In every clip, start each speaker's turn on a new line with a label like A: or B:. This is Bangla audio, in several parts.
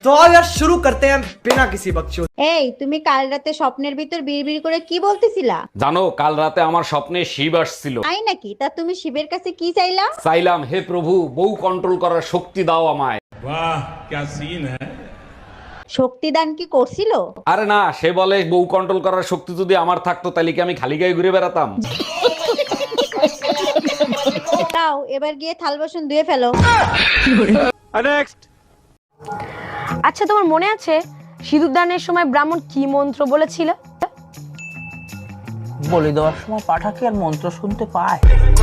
A: तो आज यार शुरू करते हैं बिना किसी बकचोद।
B: এই তুমি কাল রাতে স্বপ্নের ভিতর বিড়বিড় করে কি বলতেছিলা?
C: জানো কাল রাতে আমার স্বপ্নে শিব আসছিল।
B: তাই নাকি? তা তুমি শিবের কাছে কি চাইলা?
C: চাইলাম, হে প্রভু, বউ কন্ট্রোল করার শক্তি দাও আমায়।
D: वाह क्या सीन है।
B: শক্তিদান কি করছিল?
C: আরে না, সে বলে বউ কন্ট্রোল করার শক্তি যদি আমার থাকতো তাহলে কি আমি খালি গায়ে ঘুরে বেড়াতাম?
B: তাও এবার গিয়ে থাল বাসন ধুয়ে ফেলো।
E: আচ্ছা, তোমার মনে আছে সিঁদুর দানের সময় ব্রাহ্মণ কি মন্ত্র বলেছিল?
F: বলি দেওয়ার সময় পাঠা কি আর মন্ত্র শুনতে পায়?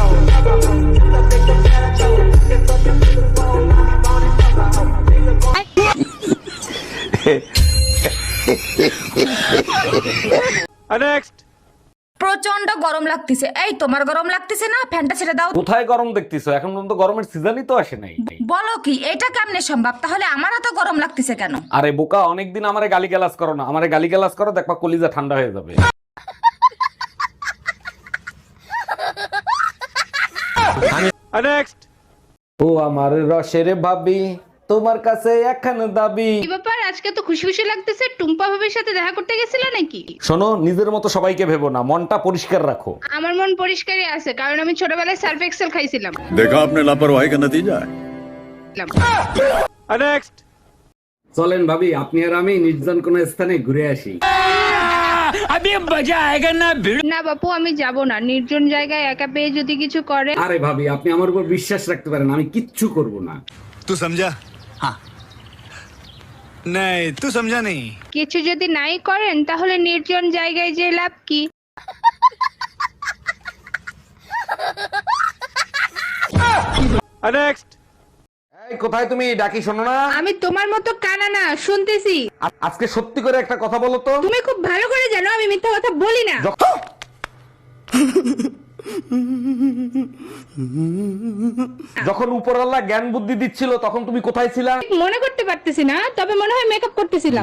G: প্রচন্ড গরম লাগতেছে। এই তোমার গরম লাগতেছে না? ফ্যানটা ছেড়ে দাও।
C: কোথায় গরম দেখতেছো? এখন পর্যন্ত গরমের সিজনই তো আসে নাই।
G: বলো কি, এটা কেমনে সম্ভব? তাহলে আমার এত গরম লাগতেছে কেন?
C: আরে বোকা, অনেকদিন আমারে গালিগালাজ করো না। আমারে গালিগালাজ করো, দেখবা কলিজা ঠান্ডা হয়ে যাবে। ও আমার রসের ভাবি, তোমার কাছে একখান দাবি।
H: কি ব্যাপার, আজকে তো খুশি খুশি লাগতেছে? টুম্পা ভাবির সাথে দেখা করতে গেছিলে নাকি?
C: শোনো, নিজের মতো সবাইকে ভেবো না, মনটা পরিষ্কার রাখো।
H: আমার মন পরিষ্কারই আছে, কারণ আমি ছোটবেলায় সার্ফ এক্সেল খাইছিলাম।
D: देखा आपने लापरवाही का नतीजा है।
C: চলেন ভাবি, আপনি আর আমি নির্জন কোন স্থানে ঘুরে আসি।
H: না বাপু, আমি যাব না। নির্জন জায়গায় একা পেয়ে যদি কিছু করে।
C: আরে ভাবি, আপনি আমার উপর বিশ্বাস রাখতে পারেন, আমি কিচ্ছু করব না।
D: तू समझा? हाँ नहीं, तू समझा नहीं।
H: কিছু যদি নাই করেন তাহলে নির্জন জায়গায় যে লাভ কি?
C: এই কোথায় তুমি? ডাকি শোনো না।
H: আমি তোমার মতো কানা না, শুনতেছি।
C: আজকে সত্যি করে একটা কথা বলো তো।
H: তুমি খুব ভালো করে জানো আমি মিথ্যা কথা বলি না।
C: যখন উপরওয়ালা জ্ঞান বুদ্ধি দিচ্ছিল তখন তুমি কোথায় ছিলা?
H: মনে করতে পারতেছি না, তবে মনে হয় মেকআপ করতেছিলাম।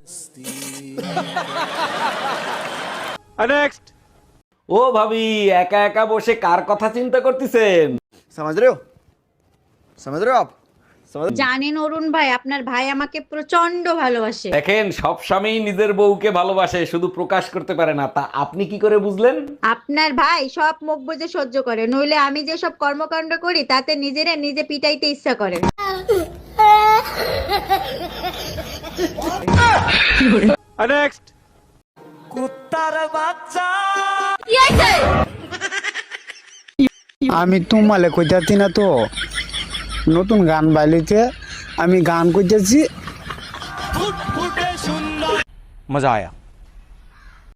C: ও ভাবি, একা একা বসে কার কথা চিন্তা করতেছেন?
A: समझ रहे हो? समझ रहे हो आप?
B: জানেন অরুণ ভাই, আপনার ভাই আমাকে প্রচন্ড ভালোবাসে।
C: দেখেন, সব স্বামী নিজের বউকে ভালোবাসে, শুধু প্রকাশ করতে পারে না। তা আপনি কি করে বুঝলেন?
B: আপনার ভাই সব মুখ বুজে সহ্য করে, নইলে আমি যে সব কর্মকাণ্ড করি তাতে নিজেরে নিজে পিটাইতে ইচ্ছা করে।
A: कुत्तार बाच्चा।
I: আমি তোমালে কইতাছি না তো, নতুন গান বাইলিতে আমি গান কইতেছি।
A: मजा आया।